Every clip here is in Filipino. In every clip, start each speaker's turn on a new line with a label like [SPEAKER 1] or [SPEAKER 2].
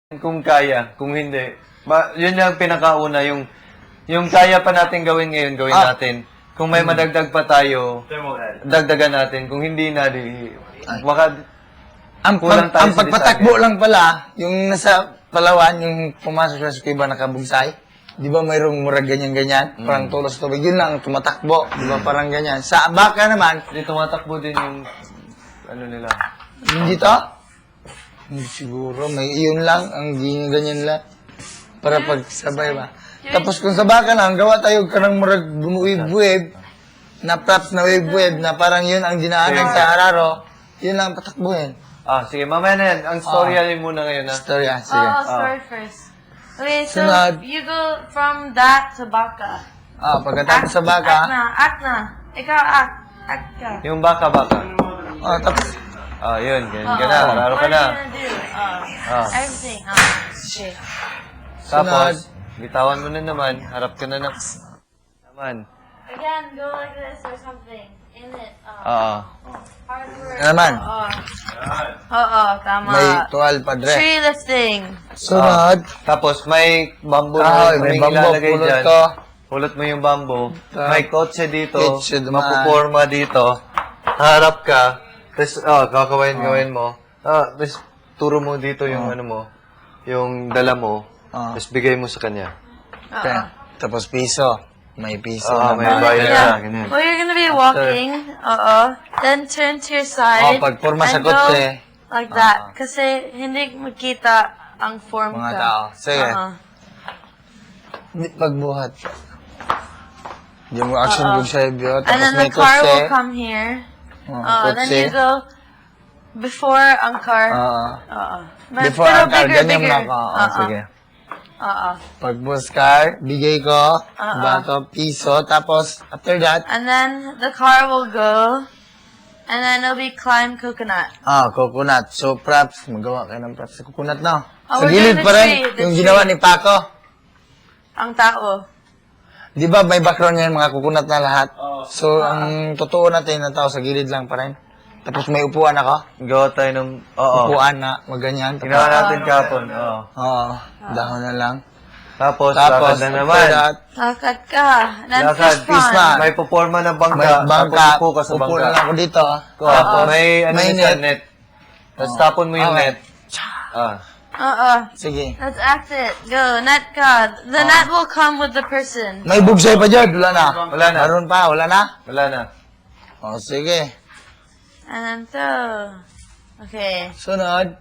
[SPEAKER 1] Kung kaya, kung hindi. Yun yung pinakauna, yung kaya pa natin gawin ngayon, gawin natin. Kung may madagdag pa tayo, dagdagan natin. Kung hindi na, baka
[SPEAKER 2] Ang pagpatakbo lang pala, yung nasa Palawan, yung pumasok sa Esquiva nakabugsay, di ba mayroong murag ganyan-ganyan, parang tulos tubig, yun lang, tumatakbo, di ba parang ganyan. Sa baka naman,
[SPEAKER 1] hindi tumatakbo din yung, ano nila.
[SPEAKER 2] hindi to? Hindi siguro, may iyon lang, ang ganyan lang, para pagsabay ba. Tapos kung sa baka lang, gawa tayo kanang murag bumuwib-wib, na props na wave-wave, na parang yun ang dinaanan sa Araro, yun lang patakbuhin.
[SPEAKER 1] Sige, mamaya na yan. Ang storya yun muna ngayon, ha?
[SPEAKER 2] Story, sige.
[SPEAKER 3] Story first. Okay, so
[SPEAKER 2] Sunod.
[SPEAKER 3] you go from that to baka.
[SPEAKER 2] Pagkatapos sa baka,
[SPEAKER 3] Act na. Ikaw, act. Act ka.
[SPEAKER 1] Yung baka.
[SPEAKER 2] tapos,
[SPEAKER 1] Yun, ganyan ka na. Mararo ka na.
[SPEAKER 3] What are you gonna do? Everything. Okay.
[SPEAKER 1] Tapos, bitawan mo na naman. Harap ka na naman.
[SPEAKER 3] Again, go like this or something. In it. Hard work.
[SPEAKER 2] Ano naman?
[SPEAKER 3] Tama.
[SPEAKER 2] may tuwal padre.
[SPEAKER 3] Tree lifting.
[SPEAKER 2] Sunod,
[SPEAKER 1] Tapos, may bamboo
[SPEAKER 2] may
[SPEAKER 1] kaming
[SPEAKER 2] bambo,
[SPEAKER 1] ilalagay
[SPEAKER 2] pulot
[SPEAKER 1] dyan.
[SPEAKER 2] ko.
[SPEAKER 1] Pulot mo yung bamboo. May kotse dito.
[SPEAKER 2] Kotse naman.
[SPEAKER 1] Mapuporma dito. Harap ka. Tapos, kakawain mo. Tapos, turo mo dito yung ano mo. Yung dala mo. Tapos, bigay mo sa kanya.
[SPEAKER 2] Okay. Tapos piso. May piso
[SPEAKER 1] May
[SPEAKER 2] naman.
[SPEAKER 1] bayad
[SPEAKER 3] Yeah.
[SPEAKER 1] na. Ganyan.
[SPEAKER 3] Well, you're gonna be walking. Then turn to your side.
[SPEAKER 2] Pagporma sa
[SPEAKER 3] and go
[SPEAKER 2] kotse.
[SPEAKER 3] like that. Kasi hindi makita ang form
[SPEAKER 2] Mga
[SPEAKER 3] ka.
[SPEAKER 2] tao. Sige.
[SPEAKER 3] Uh-uh.
[SPEAKER 2] Pagbuhat. Yung action group sa ibyo.
[SPEAKER 3] And
[SPEAKER 2] Tapos
[SPEAKER 3] then
[SPEAKER 2] may
[SPEAKER 3] the car
[SPEAKER 2] kotse.
[SPEAKER 3] will come here. Then
[SPEAKER 2] Kotse.
[SPEAKER 3] you go before ang car. But
[SPEAKER 2] Before
[SPEAKER 3] pero
[SPEAKER 2] ang car,
[SPEAKER 3] bigger,
[SPEAKER 2] ganyan
[SPEAKER 3] bigger.
[SPEAKER 2] lang ako. Sige. Pag-bus car, bigay ko, bato, piso, tapos after that,
[SPEAKER 3] And then the car will go. And then it'll be climb coconut.
[SPEAKER 2] coconut. So, props, magawa kayo ng props sa coconut na. Sa
[SPEAKER 3] Oh, we're
[SPEAKER 2] gilid
[SPEAKER 3] doing
[SPEAKER 2] pa
[SPEAKER 3] the
[SPEAKER 2] rin,
[SPEAKER 3] tree, the
[SPEAKER 2] yung
[SPEAKER 3] tree.
[SPEAKER 2] ginawa ni Paco.
[SPEAKER 3] Ang tao.
[SPEAKER 2] Di ba may background yan, mga coconut na lahat? So, ang totoo natin na tao sa gilid lang pa rin. Tapos may upuan ako.
[SPEAKER 1] Gawa tayo ng...
[SPEAKER 2] Upuan na, maganyan.
[SPEAKER 1] Ginawa natin kapon.
[SPEAKER 2] Dahon na lang.
[SPEAKER 1] Tapos,
[SPEAKER 2] Tapos,
[SPEAKER 1] lakad na
[SPEAKER 2] after
[SPEAKER 1] naman.
[SPEAKER 2] that,
[SPEAKER 3] Lakad ka. Then
[SPEAKER 1] Lakad,
[SPEAKER 3] fish pond.
[SPEAKER 1] May puporma ng bangka.
[SPEAKER 2] may bangka,
[SPEAKER 1] Tapos upo ka sa
[SPEAKER 2] upo
[SPEAKER 1] bangka.
[SPEAKER 2] na lang ako dito.
[SPEAKER 1] Tapos, may
[SPEAKER 2] may
[SPEAKER 1] net.
[SPEAKER 2] net.
[SPEAKER 1] Tapos tapon mo yung
[SPEAKER 2] Okay.
[SPEAKER 1] net.
[SPEAKER 2] Sige.
[SPEAKER 3] Let's act it. Go. Net ka. The net will come with the person.
[SPEAKER 2] May bugsay pa dyan, wala na.
[SPEAKER 1] Wala na.
[SPEAKER 2] Meron pa, wala na.
[SPEAKER 1] Wala na.
[SPEAKER 2] Sige.
[SPEAKER 3] And then throw. Okay.
[SPEAKER 2] Sunod.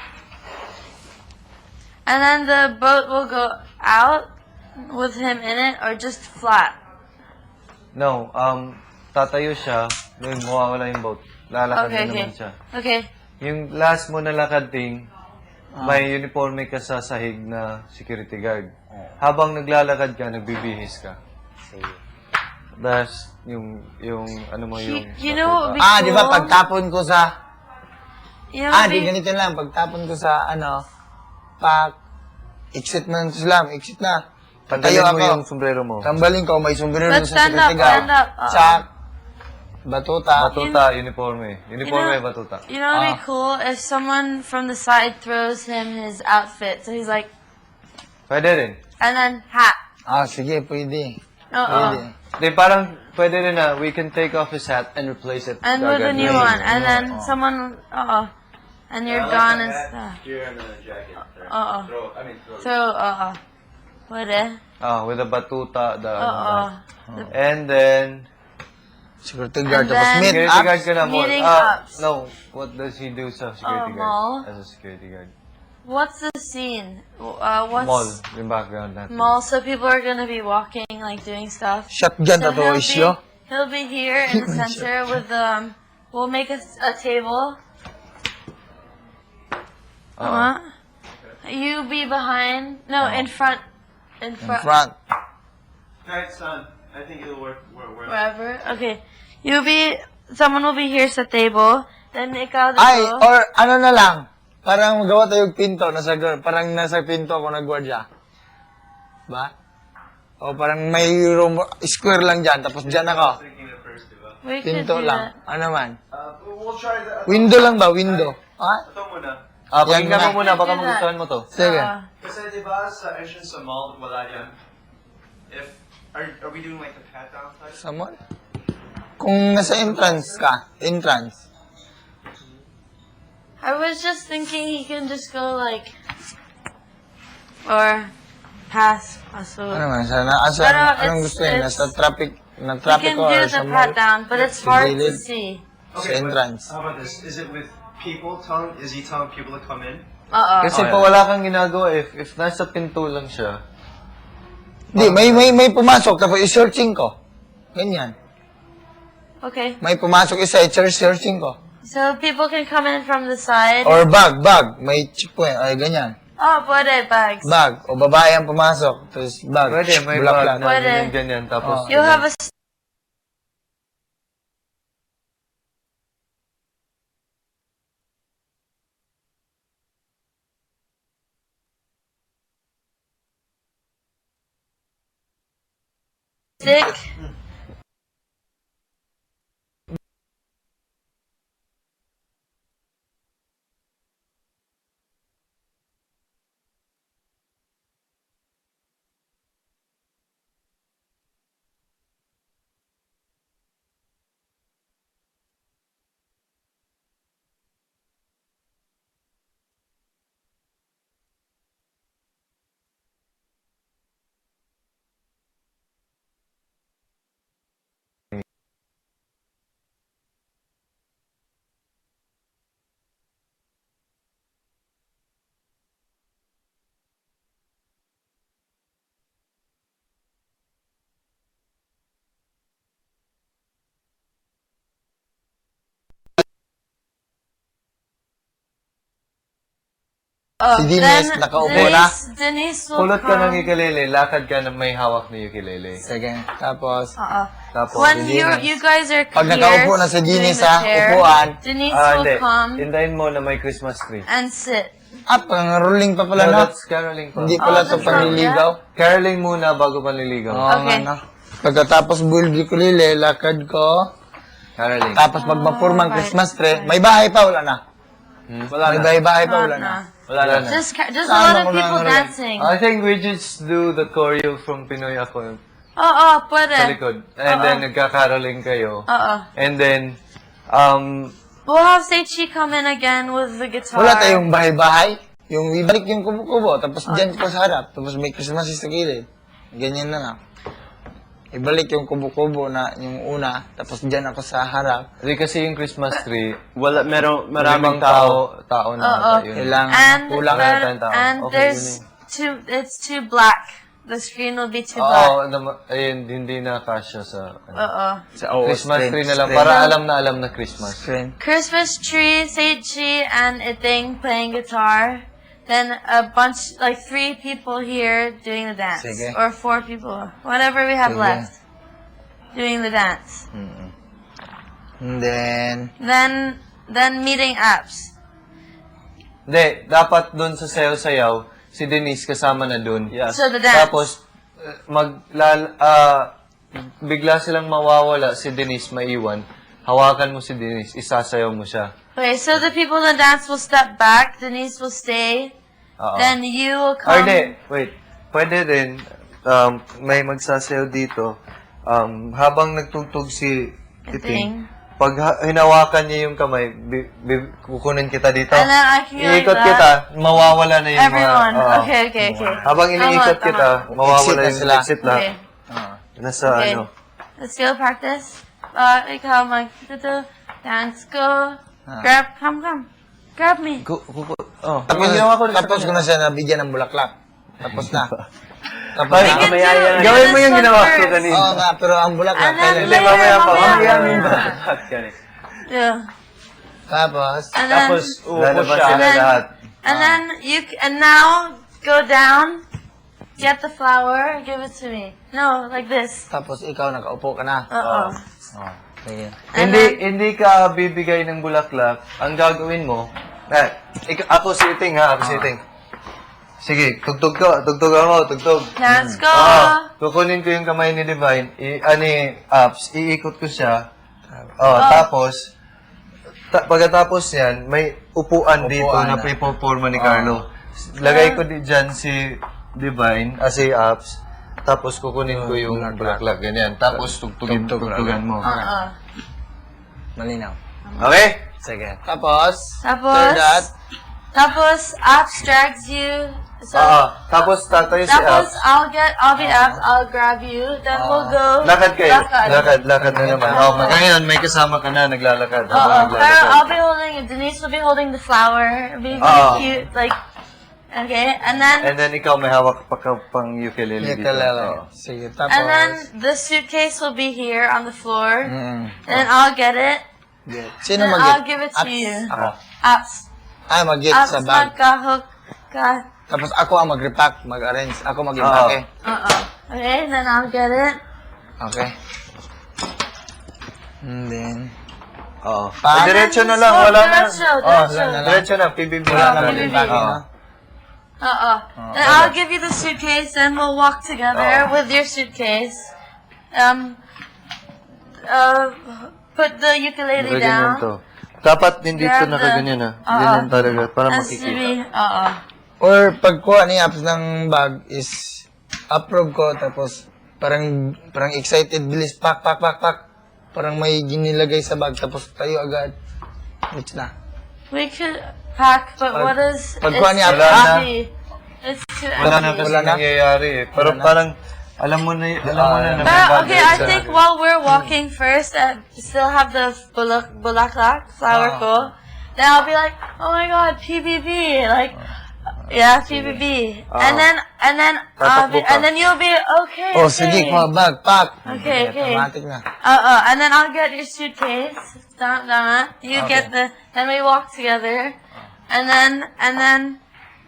[SPEAKER 3] And then the boat will go out with him in it or just flat.
[SPEAKER 1] No, tatayo siya. May mawawala yung boat. Lalakad
[SPEAKER 3] Okay,
[SPEAKER 1] na
[SPEAKER 3] okay.
[SPEAKER 1] naman siya.
[SPEAKER 3] Okay.
[SPEAKER 1] Yung last mo na lakad ting, may uniforme ka sa sahig na security guard. Habang naglalakad ka, nagbibihis ka. That's yung ano mo yung...
[SPEAKER 3] You know what would be
[SPEAKER 2] Di ba
[SPEAKER 3] cool?
[SPEAKER 2] pagtapon ko sa...
[SPEAKER 3] You know what would
[SPEAKER 2] di
[SPEAKER 3] be,
[SPEAKER 2] ganito lang. Pagtapon ko sa, exit na ng Islam, exit na.
[SPEAKER 1] Tanggalin
[SPEAKER 2] Tayo
[SPEAKER 1] mo
[SPEAKER 2] ako.
[SPEAKER 1] yung sombrero mo.
[SPEAKER 2] Tambalin ko, may sombrero
[SPEAKER 3] Let's
[SPEAKER 2] sa
[SPEAKER 3] stand up,
[SPEAKER 2] security guard.
[SPEAKER 3] stand up.
[SPEAKER 2] Sa batuta.
[SPEAKER 1] Batuta, uniforme. Uniforme, batuta.
[SPEAKER 3] you know what would be cool if someone from the side throws him his outfit. So he's like,
[SPEAKER 1] Pwede rin.
[SPEAKER 3] and then hat.
[SPEAKER 2] Sige, pwede.
[SPEAKER 3] Uh-oh.
[SPEAKER 2] Pwede.
[SPEAKER 1] Di, parang pwede rin na we can take off his hat and replace it.
[SPEAKER 3] And with a
[SPEAKER 1] agad.
[SPEAKER 3] new one. And then someone, and you're gone and stuff. Throw, Pwede.
[SPEAKER 1] With a batuta. And
[SPEAKER 3] And
[SPEAKER 1] then,
[SPEAKER 2] Security guard.
[SPEAKER 3] And
[SPEAKER 2] Tapos
[SPEAKER 3] then-
[SPEAKER 2] meet
[SPEAKER 1] security
[SPEAKER 2] up.
[SPEAKER 1] guard ka na mo.
[SPEAKER 3] Meeting ups.
[SPEAKER 1] No, what does he do sa security
[SPEAKER 3] mall.
[SPEAKER 1] guard? As a security guard.
[SPEAKER 3] What's the scene?
[SPEAKER 1] Mall,
[SPEAKER 3] What's
[SPEAKER 1] yung background natin.
[SPEAKER 3] mall? So people are gonna be walking, like doing stuff.
[SPEAKER 2] Shotgun
[SPEAKER 3] So
[SPEAKER 2] to isyo.
[SPEAKER 3] he'll be here in the center with we'll make a table. You be behind. No, in front. In
[SPEAKER 2] In
[SPEAKER 3] front.
[SPEAKER 2] front.
[SPEAKER 4] Try it, son. I think it'll work.
[SPEAKER 3] Wherever. Okay. Someone will be here sa table. Then ikaw dito.
[SPEAKER 2] Or ano na lang. Parang magawa tayo pinto. Parang nasa pinto ako nagwardya. Ba? O parang may room, square lang dyan. Tapos dyan ako.
[SPEAKER 4] Thinking at first, diba?
[SPEAKER 3] We could
[SPEAKER 2] Pinto
[SPEAKER 3] do
[SPEAKER 2] lang.
[SPEAKER 3] that.
[SPEAKER 2] Ano man?
[SPEAKER 4] We'll try that.
[SPEAKER 2] Window lang ba? Window.
[SPEAKER 4] Ito muna.
[SPEAKER 1] Pakinggan
[SPEAKER 2] na.
[SPEAKER 1] mo muna, baka
[SPEAKER 3] Do that.
[SPEAKER 1] magustuhan mo to.
[SPEAKER 2] Sige.
[SPEAKER 4] Kasi di ba sa entrance sa mall, wala yan? Are we doing like the pat down type?
[SPEAKER 2] Sa mall? Kung nasa entrance ka, entrance.
[SPEAKER 3] I was just thinking he can just go like, or pass. Also,
[SPEAKER 2] Ano man, asa,
[SPEAKER 3] Pero
[SPEAKER 2] anong
[SPEAKER 3] it's-
[SPEAKER 2] gusto yun?
[SPEAKER 3] it's-
[SPEAKER 2] Nasa traffic, na
[SPEAKER 3] you
[SPEAKER 2] traffic
[SPEAKER 3] can
[SPEAKER 2] ko
[SPEAKER 3] do
[SPEAKER 2] or
[SPEAKER 3] the
[SPEAKER 2] sa
[SPEAKER 3] pat
[SPEAKER 2] mall?
[SPEAKER 3] down, but it's
[SPEAKER 2] Sa
[SPEAKER 3] hard to
[SPEAKER 2] gilid.
[SPEAKER 3] see.
[SPEAKER 2] Sa entrance.
[SPEAKER 4] How about this? Is it with people is he telling people to come in?
[SPEAKER 1] Kasi pa wala kang ginagawa, if nasa pinto lang siya,
[SPEAKER 2] Hindi, may pumasok, tapos i-searching ko. Ganyan.
[SPEAKER 3] Okay.
[SPEAKER 2] May pumasok isa, i-searching ko.
[SPEAKER 3] So people can come in from the side.
[SPEAKER 2] Or bag. May checkpoint, ay ganyan.
[SPEAKER 3] Oh, pwede, bags.
[SPEAKER 2] Bag, o babae ang pumasok, tapos bag.
[SPEAKER 1] pwede, may
[SPEAKER 2] bulaklak.
[SPEAKER 1] bag na
[SPEAKER 3] Pwede.
[SPEAKER 1] ganyan, tapos,
[SPEAKER 3] You have a stick. Oh,
[SPEAKER 2] Si Denise, nakaupo na.
[SPEAKER 3] Denise will
[SPEAKER 1] pulot ka ng
[SPEAKER 3] come.
[SPEAKER 1] ukulele, lakad ka na may hawak na ukulele.
[SPEAKER 2] Sige, tapos,
[SPEAKER 1] Tapos,
[SPEAKER 3] When
[SPEAKER 2] si Denise.
[SPEAKER 3] you guys are
[SPEAKER 2] Pag
[SPEAKER 3] here
[SPEAKER 2] nakaupo na si
[SPEAKER 3] doing
[SPEAKER 2] Denise
[SPEAKER 3] the
[SPEAKER 2] sa
[SPEAKER 3] chair,
[SPEAKER 2] upuan,
[SPEAKER 3] Denise
[SPEAKER 1] hindi.
[SPEAKER 3] will come
[SPEAKER 1] Hintayin mo na may Christmas tree.
[SPEAKER 3] and sit.
[SPEAKER 2] pang rolling pa pala
[SPEAKER 1] No,
[SPEAKER 2] na.
[SPEAKER 1] that's caroling pa.
[SPEAKER 2] Hindi pala
[SPEAKER 3] Oh,
[SPEAKER 2] to
[SPEAKER 3] that's
[SPEAKER 2] panliligaw.
[SPEAKER 1] Caroling muna bago panliligaw.
[SPEAKER 2] Oo,
[SPEAKER 3] Okay.
[SPEAKER 2] nga na. Pagkatapos bulgi ko lili, lakad ko.
[SPEAKER 1] Caroling.
[SPEAKER 2] Tapos pag mapurmang Christmas tree, may bahay pa, wala na.
[SPEAKER 1] Wala
[SPEAKER 2] May
[SPEAKER 1] na.
[SPEAKER 2] bahay pa, wala na.
[SPEAKER 1] Wala na.
[SPEAKER 3] Just a
[SPEAKER 2] Saan
[SPEAKER 3] lot of
[SPEAKER 2] ako
[SPEAKER 3] people
[SPEAKER 2] nangangaralan?
[SPEAKER 3] dancing.
[SPEAKER 1] I think we just do the choreo from Pinoy Ako
[SPEAKER 3] Oo,
[SPEAKER 1] sa
[SPEAKER 3] pwede.
[SPEAKER 1] likod. And then, nagka-caroling kayo.
[SPEAKER 3] Oo.
[SPEAKER 1] And then,
[SPEAKER 3] We'll have Seichi come in again with the guitar.
[SPEAKER 2] Wala tayong bahay-bahay. Yung ibalik yung kubo-kubo, tapos dyan ko sa harap, tapos may Christmas sa gilid. Ganyan na lang. Ibalik yung kubo-kubo na yung una, tapos dyan ako sa harap.
[SPEAKER 1] di kasi yung Christmas tree,
[SPEAKER 4] Maraming
[SPEAKER 1] maraming
[SPEAKER 4] tao.
[SPEAKER 1] tao na ata yun.
[SPEAKER 2] Kailangan
[SPEAKER 3] And,
[SPEAKER 2] kulang.
[SPEAKER 3] and
[SPEAKER 1] Okay,
[SPEAKER 3] there's it's too black. The screen will be too
[SPEAKER 1] Oo,
[SPEAKER 3] black.
[SPEAKER 1] ayun, hindi na kasya sa
[SPEAKER 3] Oo.
[SPEAKER 1] Christmas tree na lang, para alam na Christmas.
[SPEAKER 2] Screen.
[SPEAKER 3] Christmas tree, Seichi, and Iting playing guitar. Then a bunch, like 3 people here doing the dance.
[SPEAKER 2] Sige.
[SPEAKER 3] Or 4 people. Whatever we have
[SPEAKER 2] Sige.
[SPEAKER 3] left. Doing the dance.
[SPEAKER 2] And then,
[SPEAKER 3] Then meeting apps.
[SPEAKER 1] Hindi, dapat dun sa sayaw-sayaw, si Denise kasama na dun.
[SPEAKER 4] Yes.
[SPEAKER 3] So the dance.
[SPEAKER 1] Tapos, bigla silang mawawala, si Denise maiwan. Hawakan mo si Denise, isasayaw mo siya.
[SPEAKER 3] Okay, so the people in the dance will step back. Denise will stay.
[SPEAKER 1] Oo.
[SPEAKER 3] Then you will
[SPEAKER 1] Or
[SPEAKER 3] come.
[SPEAKER 1] hindi, wait. Pwede rin, may magsasayaw dito. Habang nagtugtog si Iting, pag hinawakan niya yung kamay, kukunin kita dito.
[SPEAKER 3] And then I can go like
[SPEAKER 1] Iikot
[SPEAKER 3] that.
[SPEAKER 1] kita, mawawala na yung
[SPEAKER 3] Everyone.
[SPEAKER 1] mga... oo.
[SPEAKER 3] Okay.
[SPEAKER 1] Habang iniikot
[SPEAKER 3] Tama,
[SPEAKER 1] kita,
[SPEAKER 3] tama.
[SPEAKER 1] mawawala
[SPEAKER 2] Exit na
[SPEAKER 1] yung
[SPEAKER 2] sila.
[SPEAKER 1] exit na.
[SPEAKER 3] Okay.
[SPEAKER 1] Nasa
[SPEAKER 3] Okay.
[SPEAKER 1] ano.
[SPEAKER 3] Let's go practice. Ikaw dance, go. Come. Grab me.
[SPEAKER 2] tapos ko na siya nabigyan ng bulaklak. Tapos na. Tapos
[SPEAKER 1] Ay,
[SPEAKER 2] na.
[SPEAKER 3] do
[SPEAKER 1] gawin mo
[SPEAKER 3] this
[SPEAKER 1] yung
[SPEAKER 3] one
[SPEAKER 1] ginawa ko
[SPEAKER 3] first.
[SPEAKER 1] kanina.
[SPEAKER 2] Oo nga, pero ang bulaklak.
[SPEAKER 3] And then
[SPEAKER 2] kailan-
[SPEAKER 3] later,
[SPEAKER 1] mamaya pa.
[SPEAKER 3] mamaya.
[SPEAKER 1] Mamaya.
[SPEAKER 2] Tapos,
[SPEAKER 3] And then,
[SPEAKER 4] Tapos, uupo
[SPEAKER 1] Lalabas
[SPEAKER 4] siya.
[SPEAKER 1] sila lahat.
[SPEAKER 3] and then and now go down. Get the flower. Give it to me. No, like this.
[SPEAKER 2] tapos ikaw nakaupo ka na.
[SPEAKER 3] Uh-oh.
[SPEAKER 2] Oh, sige.
[SPEAKER 3] And
[SPEAKER 1] Hindi ka bibigay ng bulaklak. Ang gagawin mo, ako si Iting ha, ako si Iting. Sige, tugtog mo.
[SPEAKER 3] Let's go.
[SPEAKER 1] Kukunin ko yung kamay ni Divine, ni Apps, iikot ko siya. Tapos, Pagkatapos yan, may upuan dito
[SPEAKER 2] Upuan
[SPEAKER 1] na
[SPEAKER 2] na.
[SPEAKER 1] pipoporma ni Carlo. Lagay ko dyan si Divine, si Apps. Tapos kukunin ko yung bulaklak, ganyan. Tapos tugtugan mo.
[SPEAKER 2] Malinaw.
[SPEAKER 1] Okay?
[SPEAKER 2] Sige. Tapos,
[SPEAKER 3] Tapos,
[SPEAKER 2] after that,
[SPEAKER 3] tapos, Apps drags you. So,
[SPEAKER 1] Tapos tatayo si
[SPEAKER 3] tapos,
[SPEAKER 1] Apps.
[SPEAKER 3] I'll be Apps, I'll grab you, then we'll go.
[SPEAKER 1] Lakad kayo.
[SPEAKER 3] Lakad.
[SPEAKER 1] Lakad na naman. Ngayon, may kasama ka na, naglalakad.
[SPEAKER 3] Pero I'll be holding, Denise will be holding the flower. It'll be really cute, like, okay, and then
[SPEAKER 1] ikaw may hawak pa ka pang ukulele dito.
[SPEAKER 2] ukulele. Sige, tapos.
[SPEAKER 3] and then the suitcase will be here on the floor,
[SPEAKER 2] Mm.
[SPEAKER 3] and I'll get it,
[SPEAKER 2] Sino
[SPEAKER 3] and
[SPEAKER 2] mag-get?
[SPEAKER 3] I'll give it to you.
[SPEAKER 2] Ako.
[SPEAKER 3] Apps,
[SPEAKER 2] Mag-get
[SPEAKER 3] Apps,
[SPEAKER 2] sa bag.
[SPEAKER 3] magkahook ka.
[SPEAKER 2] Tapos ako ang mag-repack, mag-arrange. Ako mag-impake.
[SPEAKER 3] Okay, and then I'll get it.
[SPEAKER 2] Okay. And then,
[SPEAKER 1] Diretso na lang, wala na.
[SPEAKER 3] Diretso.
[SPEAKER 1] Diretso na, PBB
[SPEAKER 2] wala
[SPEAKER 1] na.
[SPEAKER 2] na mag-impake, no?
[SPEAKER 3] Then I'll give you the suitcase, and we'll walk together with your suitcase. Put the ukulele
[SPEAKER 1] Ganyan
[SPEAKER 3] down.
[SPEAKER 1] to. Dapat hindi to
[SPEAKER 3] Grab the-
[SPEAKER 1] nakaganyan Ganyan talaga, para
[SPEAKER 3] Has to
[SPEAKER 1] makikita.
[SPEAKER 3] be,
[SPEAKER 2] Or pagkuha ni Apps ng bag is approve ko, tapos parang excited, bilis, pak. Parang may ginilagay sa bag, tapos tayo agad. Which na.
[SPEAKER 3] We could pack, but what is...
[SPEAKER 2] pagkuha niya,
[SPEAKER 3] it's too
[SPEAKER 2] wala na.
[SPEAKER 3] heavy. It's too
[SPEAKER 1] Wala na
[SPEAKER 3] heavy.
[SPEAKER 1] kasi
[SPEAKER 2] Wala na.
[SPEAKER 1] nangyayari Pero parang, alam mo na na may
[SPEAKER 3] But,
[SPEAKER 1] bag
[SPEAKER 3] okay, I
[SPEAKER 1] sa-
[SPEAKER 3] think while we're walking first, still have the bulaklak flower ko. Then I'll be like, oh my god, PBB, like, yeah, PBB. And then you'll be okay.
[SPEAKER 2] Oh,
[SPEAKER 3] okay.
[SPEAKER 2] sige, kuha bag, pak.
[SPEAKER 3] Okay.
[SPEAKER 2] Automatic na.
[SPEAKER 3] And then I'll get your suitcase. You get then we walk together. And then,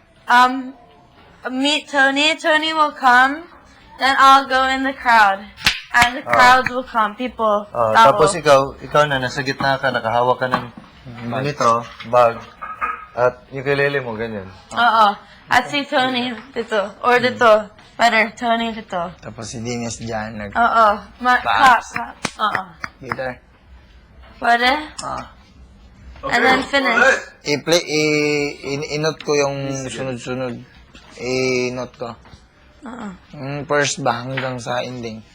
[SPEAKER 3] meet Tony. Tony will come. Then I'll go in the crowd. And the crowd will come. People.
[SPEAKER 1] Tapos ikaw na, nasa gitna ka, nakahawak ka ng ganito, bag, at ukulele mo, ganyan.
[SPEAKER 3] At si Tony dito. Or dito. Better, Tony dito.
[SPEAKER 2] Tapos si Dennis dyan,
[SPEAKER 3] Clap.
[SPEAKER 2] guitar.
[SPEAKER 3] Pwede? And then finish.
[SPEAKER 2] I-play, i-note ko yung sunod-sunod. I-note ko. Yung first ba hanggang sa ending.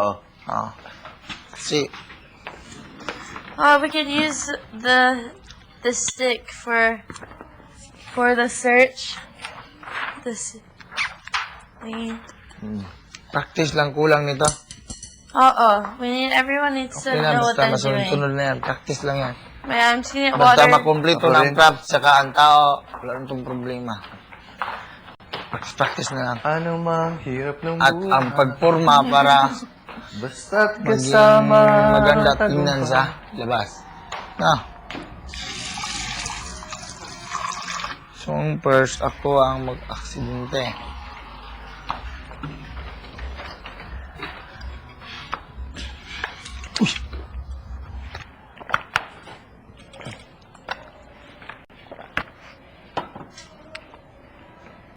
[SPEAKER 2] Kasi,
[SPEAKER 3] We could use the stick for the search.
[SPEAKER 2] practice lang kulang nito.
[SPEAKER 3] Everyone needs to
[SPEAKER 2] Okay na,
[SPEAKER 3] know what
[SPEAKER 2] basta
[SPEAKER 3] they're doing.
[SPEAKER 2] masunod-sunod na yan. Practice lang yan.
[SPEAKER 3] I'm seeing
[SPEAKER 2] Basta
[SPEAKER 3] water.
[SPEAKER 2] makumpleto
[SPEAKER 1] Ako
[SPEAKER 2] ng
[SPEAKER 1] rin.
[SPEAKER 2] craft, saka ang tao, wala nang itong problema. Practice na lang.
[SPEAKER 1] Ano mang hirap ng
[SPEAKER 2] At
[SPEAKER 1] buhay,
[SPEAKER 2] ang pagporma para
[SPEAKER 1] basta't
[SPEAKER 2] maging
[SPEAKER 1] kasama.
[SPEAKER 2] maganda tingnan sa labas. So, first, ako ang mag-aksidente.